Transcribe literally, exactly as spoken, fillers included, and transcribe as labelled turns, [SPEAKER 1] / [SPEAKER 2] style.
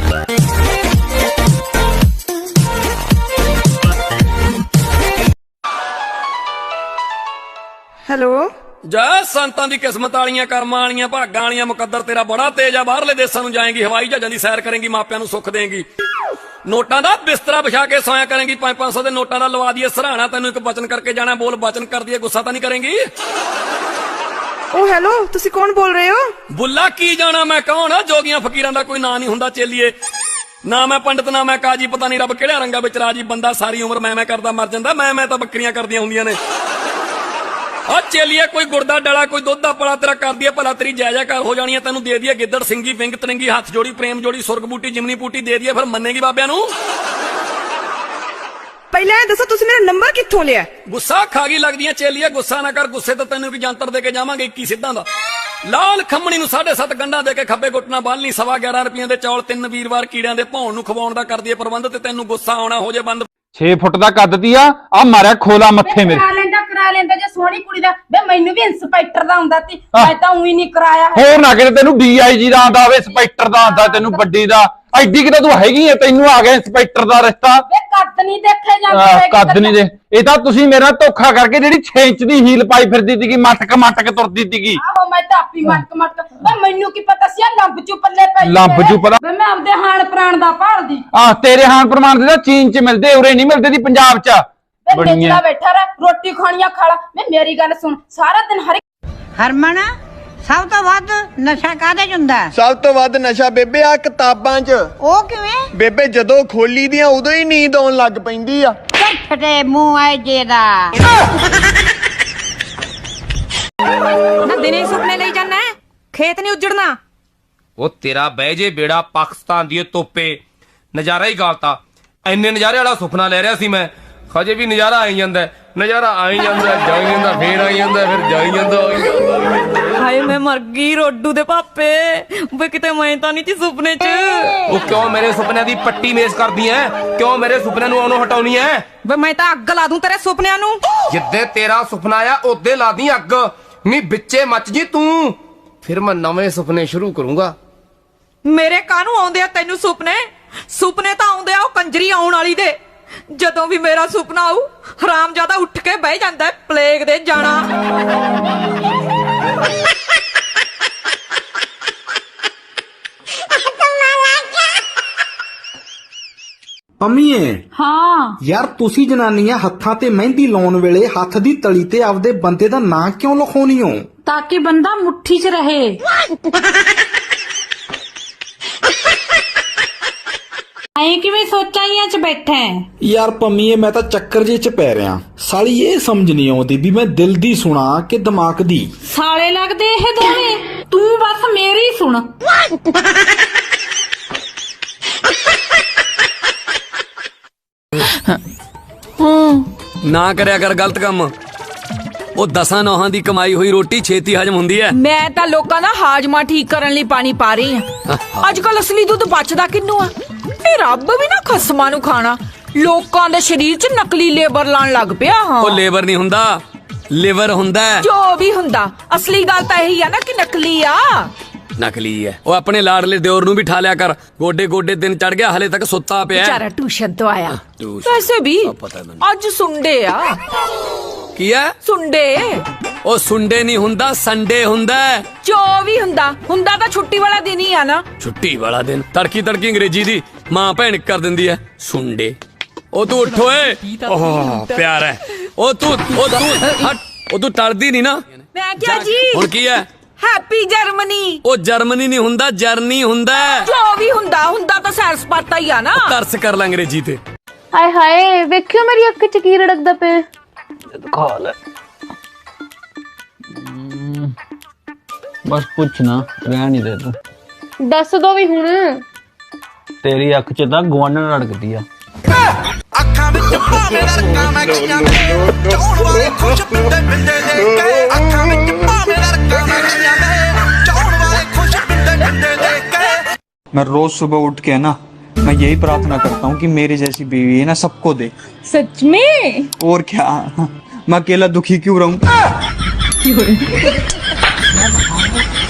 [SPEAKER 1] Hello
[SPEAKER 2] जा संतां दी किस्मत वालियां कर्मां वालियां भागां वालियां मुकद्दर तेरा बड़ा तेज आ। बाहरले देशां नूं जाएंगी, हवाई जहाजां दी सैर करेंगी, मापियां नूं सुख देंगी, नोटां दा बिस्तरा बिछा के सोया करेंगी, पांच पांच सौ दे नोटां दा लवा दिए सराहना, तैनूं एक वचन करके जाना, बोल वचन कर दिए, गुस्सा तां नहीं करेंगी?
[SPEAKER 1] ओ हेलो तुसी कौन बोल रहे हो?
[SPEAKER 2] बुल्ला की जाना मैं कौन? जोगियां फकीरां दा कोई नां नहीं हुंदा चेलिए, ना मैं पंडित ना मैं काजी, पता नहीं रब किहड़े रंगां विच राजी, बंदा सारी उम्र मैं मैं करदा मर जांदा, मैं मैं तां बकरियां करदियां हुंदियां ने। आ चेलिए कोई गुड़दा डला कोई दुध दा पड़ा तेरा कर दिया भला, तेरी जय जयकार हो जानी है, तेनू दे दिया गिद्दड़ सिंगी विंग तरंगी हाथ जोड़ी प्रेम जोड़ी सुरग बूटी जिमनी बूटी दे दिया, फिर मन्नेगी बाबिया नू?
[SPEAKER 1] पहले दसो तुसी मेरा नंबर कित्थों लिया?
[SPEAKER 2] गुस्सा खागी लगदियां चेलिए, गुस्सा ना कर, गुस्से तो तेनू की जंतर दे के जावांगे इक्की सिद्धां दा। लाल खम्मणी नू साढ़े सत्त गंढा दे के खब्बे गुटना बालनी, सवा ग्यारह रुपये दे चौल तीन वीरवार कीड़ियां दे भौण नू खवाउण दा कर दिए प्रबंध, ते तेनू गुस्सा आउणा हो जे बंद।
[SPEAKER 3] छे फुट दा कद दी आ आ मारिया खोला मत्थे मेरे।
[SPEAKER 4] करा लेंदा करा लेंदा जे सोहनी कुड़ी दा बे मैनू भी इंस्पेक्टर दा हुंदा ती, मैं तां उही नहीं कराया है।
[SPEAKER 3] ਹੋਰ ਨਾ ਕਿਤੇ ਤੈਨੂੰ ਡੀਆਈਜੀ ਦਾ ਆਂਦਾ ਹੋਵੇ, ਇੰਸਪੈਕਟਰ ਦਾ ਆਂਦਾ, ਤੈਨੂੰ ਵੱਡੀ ਦਾ ਐਡੀ ਕਿਤੇ ਤੂੰ ਹੈਗੀ ਐ, ਤੈਨੂੰ ਆ ਗਿਆ ਇੰਸਪੈਕਟਰ ਦਾ ਰਿਸ਼ਤਾ।
[SPEAKER 4] ਬੇ ਕੱਦ ਨਹੀਂ ਦੇਖੇ ਜਾਂਦੇ,
[SPEAKER 3] ਕੱਦ ਨਹੀਂ ਦੇ, ਇਹ ਤਾਂ ਤੁਸੀਂ ਮੇਰਾ ਧੋਖਾ ਕਰਕੇ ਜਿਹੜੀ ਛੇ ਇੰਚ ਦੀ ਹੀਲ ਪਾਈ ਫਿਰਦੀ ਸੀਗੀ, ਮਟਕ ਮਟਕ ਤੁਰਦੀ ਸੀਗੀ।
[SPEAKER 4] ਆਹੋ ਮੈਂ ਤਾਂ ਆਪੀ ਮਟਕ ਮਟਕ, ਬੇ ਮੈਨੂੰ ਕੀ ਪਤਾ ਸੀ ਆ ਲੰਬ ਚੂ ਪੱਲੇ ਪੈ
[SPEAKER 3] ਲੰਬ ਚੂ ਪਤਾ
[SPEAKER 4] ਬੇ ਮੈਂ ਆਪਦੇ ਹਾਣ ਪ੍ਰਾਣ ਦਾ ਭਾਲਦੀ।
[SPEAKER 3] ਆਹ ਤੇਰੇ ਹਾਨ ਪ੍ਰਮਾਣ ਦੇ ਤਾਂ ਚੀਨ ਚ ਮਿਲਦੇ, ਉਰੇ ਨਹੀਂ ਮਿਲਦੇ ਦੀ ਪੰਜਾਬ ਚ।
[SPEAKER 4] ਬੇ ਨਿਚਲਾ ਬੈਠਾ ਰਹਿ, ਰੋਟੀ ਖਾਣੀਆਂ ਖਾਲਾ। ਮੈਂ ਮੇਰੀ ਗੱਲ ਸੁਣ, ਸਾਰਾ ਦਿਨ ਹਰ
[SPEAKER 5] ਹਰਮਨ ਸਭ ਤੋਂ ਵੱਧ ਨਸ਼ਾ ਕਾਹਦੇ ਚ ਹੁੰਦਾ?
[SPEAKER 6] ਸਭ ਤੋਂ ਵੱਧ ਨਸ਼ਾ ਬੇਬੇ ਆ ਕਿਤਾਬਾਂ 'ਚ।
[SPEAKER 5] ਉਹ ਕਿਵੇਂ
[SPEAKER 6] ਬੇਬੇ ਜਦੋਂ ਖੋਲੀ ਦੀਆਂ ਉਦੋਂ ਹੀ ਨੀਂਦ ਆਉਣ ਲੱਗ ਪੈਂਦੀ ਆ।
[SPEAKER 5] ਫਟੇ ਮੂੰਹ ਆਏ ਜੇ ਦਾ
[SPEAKER 1] ना दिने सुपने ले जाना है, खेत नहीं उजड़ना।
[SPEAKER 7] ਉਹ ਤੇਰਾ ਬਹਿ ਜੇ ਬੇੜਾ ਪਾਕਿਸਤਾਨ ਦੀ ਤੋਪੇ, ਨਜ਼ਾਰਾ ਹੀ ਗਾਲਤਾ। ਐਨੇ ਨਜ਼ਾਰੇ ਵਾਲਾ ਸੁਪਨਾ ਲੈ ਰਿਹਾ ਸੀ ਮੈਂ, ਹਜੇ ਵੀ ਨਜ਼ਾਰਾ ਆਈ ਜਾਂਦਾ, ਨਜ਼ਾਰਾ ਆਈ ਜਾਂਦਾ, ਜਾਈ ਜਾਂਦਾ, ਫੇਰ ਆਈ ਜਾਂਦਾ, ਫਿਰ ਜਾਈ ਜਾਂਦਾ।
[SPEAKER 1] ਹਾਏ ਮੈਂ ਮਰ ਗਈ ਰੋਡੂ ਦੇ ਪਾਪੇ, ਵੇ ਕਿਤੇ ਮੈਂ ਤਾਂ ਨਹੀਂ ਸੀ ਸੁਪਨੇ 'ਚ।
[SPEAKER 7] ਉਹ ਕਿਉਂ ਮੇਰੇ ਸੁਪਨਿਆਂ ਦੀ ਪੱਟੀ ਮੇਜ਼ ਕਰਦੀ ਐ? ਕਿਉਂ ਮੇਰੇ ਸੁਪਨਿਆਂ ਨੂੰ ਉਹਨੂੰ ਹਟਾਉਣੀ ਐ?
[SPEAKER 1] ਵੇ ਮੈਂ ਤਾਂ ਅੱਗ ਲਾ ਦੂੰ ਤੇਰੇ ਸੁਪਨਿਆਂ ਨੂੰ।
[SPEAKER 7] ਜਿੱਦੇ ਤੇਰਾ ਸੁਪਨਾ ਆ ਉਹਦੇ ਲਾ ਦੀ ਅੱਗ, ਨਹੀਂ ਵਿੱਚੇ ਮੱਚ ਜੀ ਤੂੰ, ਫਿਰ ਮੈਂ ਨਵੇਂ ਸੁਪਨੇ ਸ਼ੁਰੂ ਕਰੂੰਗਾ।
[SPEAKER 1] ਮੇਰੇ ਕਾਹਨੂੰ ਆਉਂਦੇ ਆ ਤੈਨੂੰ ਸੁਪਨੇ? ਸੁਪਨੇ ਤਾਂ ਆਉਂਦੇ ਆ ਉਹ ਕੰਜਰੀ ਆਉਣ ਵਾਲੀ ਦੇ। ਜਦੋਂ ਵੀ ਮੇਰਾ ਸੁਪਨਾ ਆਊ ਹਰਾਮਜ਼ਾਦਾ ਉੱਠ ਕੇ ਬਹਿ ਜਾਂਦਾ ਪਲੇਗ ਦੇ ਜਾਣਾ।
[SPEAKER 8] ਪੰਮੀਏ
[SPEAKER 4] ਹਾਂ
[SPEAKER 8] ਯਾਰ ਤੁਸੀਂ ਜਨਾਨੀਆਂ ਹੱਥਾਂ ਤੇ ਮਹਿੰਦੀ ਲਾਉਣ ਵੇਲੇ ਹੱਥ ਦੀ ਤਲੀ ਤੇ ਆਪਦੇ ਬੰਦੇ ਦਾ ਨਾਂ ਕਿਉਂ ਲਿਖਾਉਣੀ ਹੋ?
[SPEAKER 4] ਤਾਂ ਕਿ ਬੰਦਾ ਮੁੱਠੀ 'ਚ ਰਹੇ। ਐਂ ਕਿਵੇਂ ਸੋਚਾਈਆਂ 'ਚ ਬੈਠਾ ਹੈ?
[SPEAKER 8] ਯਾਰ ਪੰਮੀਏ ਮੈਂ ਤਾਂ ਚੱਕਰ ਜੇ ਚ ਪੈ ਰਿਆਂ, ਸਾਲੀ ਇਹ ਸਮਝ ਨਹੀਂ ਆਉਂਦੀ ਵੀ ਮੈਂ ਦਿਲ ਦੀ ਸੁਣਾ ਕਿ ਦਿਮਾਗ ਦੀ।
[SPEAKER 4] ਸਾਲੇ ਲੱਗਦੇ ਇਹ ਦੋਵੇਂ, ਤੂੰ ਬਸ ਮੇਰੀ ਸੁਣ।
[SPEAKER 2] ना करया कर गलत काम, ਉਹ ਦਸਾਂ ਨੌਹਾਂ ਦੀ ਕਮਾਈ ਹੋਈ ਰੋਟੀ ਛੇਤੀ ਹਜਮ ਹੁੰਦੀ ਹੈ।
[SPEAKER 1] ਮੈਂ ਤਾਂ ਲੋਕਾਂ ਦਾ ਹਾਜ਼ਮਾ ਠੀਕ ਕਰਨ ਲਈ ਪਾਣੀ ਪਾ ਰਹੀ ਆ। ਅੱਜ ਕੱਲ ਅਸਲੀ ਦੁੱਧ ਬਚਦਾ ਕਿੰਨੂੰ ਆ? ਇਹ ਰੱਬ ਵੀ ਨਾ ਖਸਮਾਂ ਨੂੰ ਖਾਣਾ, ਲੋਕਾਂ ਦੇ ਸਰੀਰ 'ਚ ਨਕਲੀ ਲੇਬਰ ਲਾਣ ਲੱਗ ਪਿਆ। ਹਾਂ
[SPEAKER 2] ਉਹ ਲੇਬਰ ਨਹੀਂ ਹੁੰਦਾ, ਲਿਵਰ ਹੁੰਦਾ।
[SPEAKER 1] ਜੋ ਵੀ ਹੁੰਦਾ, ਅਸਲੀ ਗੱਲ ਤਾਂ ਇਹੀ ਆ ਨਾ ਕਿ ਨਕਲੀ ਆ।
[SPEAKER 2] ਨਕਲੀ ਹੈ। ਉਹ ਆਪਣੇ ਲਾਡਲੇ ਦਿਓਰ ਨੂੰ ਵੀ ਠਾ ਲਿਆ ਕਰ, ਗੋਡੇ ਗੋਡੇ ਦਿਨ ਚੜ ਗਿਆ ਹਲੇ ਤੱਕ ਸੁੱਤਾ ਪਿਆ।
[SPEAKER 1] ਵਿਚਾਰਾ ਟਿਊਸ਼ਨ ਤੋਂ ਆਇਆ।
[SPEAKER 2] ਟਿਊਸ਼ਨ।
[SPEAKER 1] ਵੈਸੇ ਵੀ
[SPEAKER 2] ਪਤਾ ਮੈਨੂੰ।
[SPEAKER 1] ਅੱਜ ਸੁੰਡੇ ਆ।
[SPEAKER 2] ਕੀ ਹੈ?
[SPEAKER 1] ਸੁੰਡੇ।
[SPEAKER 2] ਉਹ ਸੁੰਡੇ ਨਹੀਂ ਹੁੰਦਾ, ਸੰਡੇ ਹੁੰਦਾ।
[SPEAKER 1] ਜੋ ਵੀ ਹੁੰਦਾ ਹੁੰਦਾ ਤਾਂ ਛੁੱਟੀ ਵਾਲਾ ਦਿਨ ਹੀ ਆ ਨਾ।
[SPEAKER 2] ਛੁੱਟੀ ਵਾਲਾ ਦਿਨ ਤੜਕੀ ਤੜਕੀ ਅੰਗਰੇਜ਼ੀ ਦੀ ਮਾਂ ਭੈਣ ਕਰ ਦਿੰਦੀ ਹੈ ਸੁੰਡੇ। ਉਹ ਤੂੰ ਉੱਠ ਓਏ, ਓਹ ਪਿਆਰ ਹੈ। ਉਹ ਤੂੰ ਉਹ ਤੂੰ ਹਟ, ਉਹ ਤੂੰ ਟਲਦੀ ਨਹੀਂ ਨਾ।
[SPEAKER 1] ਮੈਂ ਕਿਹਾ ਜੀ
[SPEAKER 2] ਹੁਣ ਕੀ ਹੈ?
[SPEAKER 1] Happy Germany.
[SPEAKER 2] ਉਹ ਜਰਮਨੀ ਨਹੀਂ ਹੁੰਦਾ, ਜਰਨੀ ਹੁੰਦਾ।
[SPEAKER 1] ਜੋ ਵੀ ਹੁੰਦਾ ਹੁੰਦਾ ਤਾਂ ਸੈਰ ਸਪਾਟਾ ਹੀ ਆ ਨਾ।
[SPEAKER 2] ਤਰਸ ਕਰ ਲੈ ਅੰਗਰੇਜ਼ੀ ਤੇ।
[SPEAKER 9] ਹਾਏ ਹਾਏ ਵੇਖਿਓ ਮੇਰੀ ਅੱਖ 'ਚ ਕੀ ਰੜਕਦਾ ਪਿਆ।
[SPEAKER 10] ਦਿਖਾ ਲੈ ਬਸ ਪੁੱਛ ਨਾ, ਰਹਿਣ ਨਹੀਂ ਦੇ ਤੂੰ।
[SPEAKER 9] ਦੱਸ ਦੋ ਵੀ ਹੁਣ।
[SPEAKER 10] ਤੇਰੀ ਅੱਖ 'ਚ ਤਾਂ ਗਵਾਂਢਣ ਰੜਕਦੀ ਆ।
[SPEAKER 11] ਅੱਖਾਂ ਵਿੱਚ ਭਾਵੇਂ ਰੜਕਾਂ ਮੈਂ ਗਈਆਂ ਨੇ, ਚਾਉਣ ਵਾਲੇ ਖੁਸ਼ ਪਿੰਡੇ ਪਿੰਡੇ ਦੇਖ ਕੇ। ਅੱਖਾਂ ਵਿੱਚ ਭਾਵੇਂ ਰੜਕਾਂ ਮੈਂ ਗਈਆਂ ਨੇ, ਚਾਉਣ वाले खुश पिंडे पिंडे देख के।
[SPEAKER 12] मैं रोज सुबह उठ के ना मैं यही प्रार्थना करता हूँ कि मेरी जैसी बीवी है ना सबको दे।
[SPEAKER 4] सच में?
[SPEAKER 12] और क्या, मैं अकेला दुखी क्यों रहूं?